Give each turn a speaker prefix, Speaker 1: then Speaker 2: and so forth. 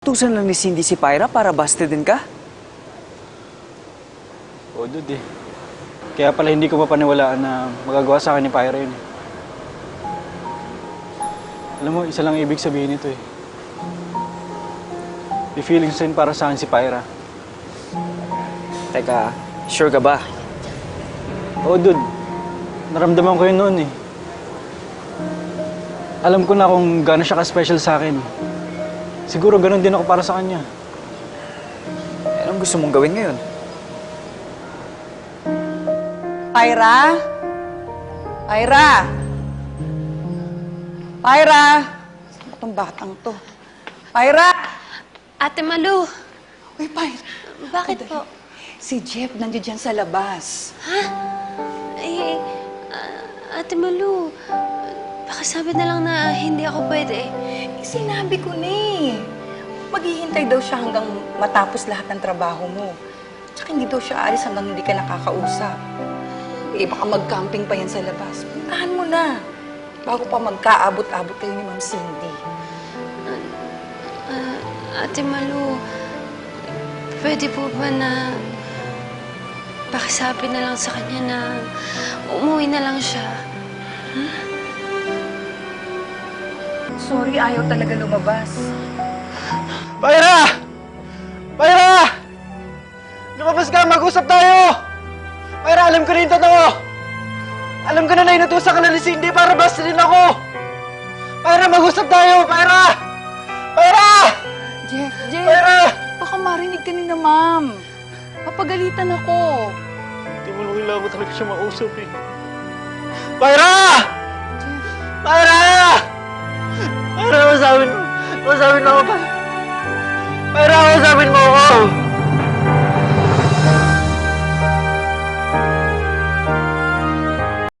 Speaker 1: Tusan lang ni Cindy si Pyra para busted din ka?
Speaker 2: Oo, dude eh. Kaya pala hindi ko mapaniwalaan na magagawa sa akin ni Pyra yun eh. Alam mo, isa lang ibig sabihin nito eh. May feelings rin para sa akin si Pyra.
Speaker 1: Teka, sure ka ba?
Speaker 2: Oo, dude. Naramdaman ko yun noon eh. Alam ko na kung gaano siya ka-special sa akin. Siguro ganun din ako para sa kanya.
Speaker 1: Anong gusto mong gawin ngayon?
Speaker 3: Pyra? Pyra? Pyra? Saan ba itong batang to? Pyra?
Speaker 4: Ate Malu,
Speaker 3: Uy, Pyra.
Speaker 4: bakit po?
Speaker 3: Si Jeff nandiyan dyan sa labas.
Speaker 4: Eh, Ate Malu, baka sabi na lang na hindi ako pwede.
Speaker 3: Sinabi ko na eh. Maghihintay daw siya hanggang matapos lahat ng trabaho mo. Tsaka hindi daw siya aalis hanggang hindi ka nakakausap. Eh, baka mag-camping pa yan sa labas. Puntahan mo na. Bago pa magkaabot-abot kayo ni Ma'am Cindy.
Speaker 4: Ate Malu, pwede po ba na pakisabi na lang sa kanya na umuwi na lang siya?
Speaker 3: Sorry, ayaw talaga lumabas.
Speaker 2: Pyra! Pyra! Lumabas ka, mag-usap tayo! Pyra, alam ko na yung totoo! Alam ko na inutusan ka na ni Cindy para busted din ako! Pyra, mag-usap tayo! Pyra! Pyra!
Speaker 3: Jeff,
Speaker 2: Pyra!
Speaker 3: baka marinig ka ni na, Ma'am. Papagalitan ako.
Speaker 2: Hindi mo lang kailangan ko talaga siya mausap eh. Pyra! Pyra! Pyra, masabi na ako, Pyra,